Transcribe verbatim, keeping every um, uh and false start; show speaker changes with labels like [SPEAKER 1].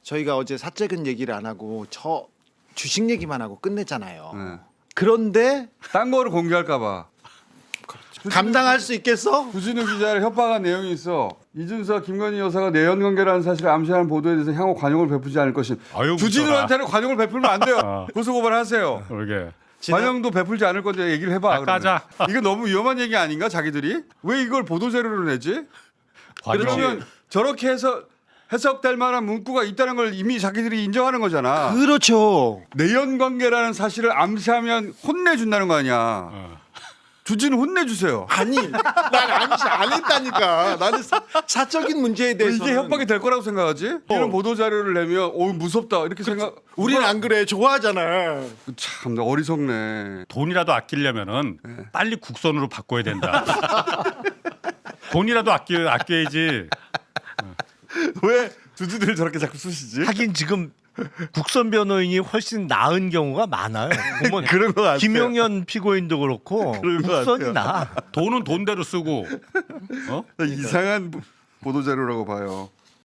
[SPEAKER 1] 저희가 어제 사적인 얘기를 안 하고 저 주식 얘기만 하고 끝냈잖아요.
[SPEAKER 2] 네.
[SPEAKER 1] 그런데
[SPEAKER 2] 딴 거를 공개할까 봐.
[SPEAKER 1] 감당할 수 있겠어?
[SPEAKER 2] 주진우 기자를 협박한 내용이 있어. 이준석, 김건희 여사가 내연 관계라는 사실을 암시하는 보도에 대해서 향후 관용을 베푸지 않을 것임.
[SPEAKER 3] 아유,
[SPEAKER 2] 주진우한테는 관용을 베풀면 안 돼요.
[SPEAKER 3] 어.
[SPEAKER 2] 고소고발하세요.
[SPEAKER 3] 이게
[SPEAKER 2] 관용도 베풀지 않을 건데 얘기를 해봐.
[SPEAKER 3] 아, 까자.
[SPEAKER 2] 그러면. 이거 너무 위험한 얘기 아닌가 자기들이? 왜 이걸 보도 자료로 내지? 그러면 저렇게 해서 해석될 만한 문구가 있다는 걸 이미 자기들이 인정하는 거잖아.
[SPEAKER 1] 그렇죠.
[SPEAKER 2] 내연 관계라는 사실을 암시하면 혼내준다는 거 아니야.
[SPEAKER 3] 어.
[SPEAKER 2] 주진우 혼내주세요.
[SPEAKER 1] 아니, 난 안, 안 했다니까. 나는 사, 사적인 문제에 대해서
[SPEAKER 2] 이게 협박이 될 거라고 생각하지? 이런 보도 자료를 내면 오 무섭다 이렇게 생각.
[SPEAKER 1] 우리는 안 그래. 좋아하잖아.
[SPEAKER 2] 참 어리석네.
[SPEAKER 3] 돈이라도 아끼려면은
[SPEAKER 2] 네.
[SPEAKER 3] 빨리 국선으로 바꿔야 된다. 돈이라도 아껴 아껴야지.
[SPEAKER 2] 왜 주진우를 저렇게 자꾸 쑤시지?
[SPEAKER 4] 하긴 지금 국선 변호인이 훨씬 나은 경우가 많아요. 보면
[SPEAKER 2] 그런 거 같아요.
[SPEAKER 4] 김용현 피고인도 그렇고
[SPEAKER 2] 그런 것
[SPEAKER 4] 국선이
[SPEAKER 2] 같아요.
[SPEAKER 4] 나.
[SPEAKER 3] 돈은 돈대로 쓰고. 어?
[SPEAKER 2] 이상한 보도 자료라고 봐요.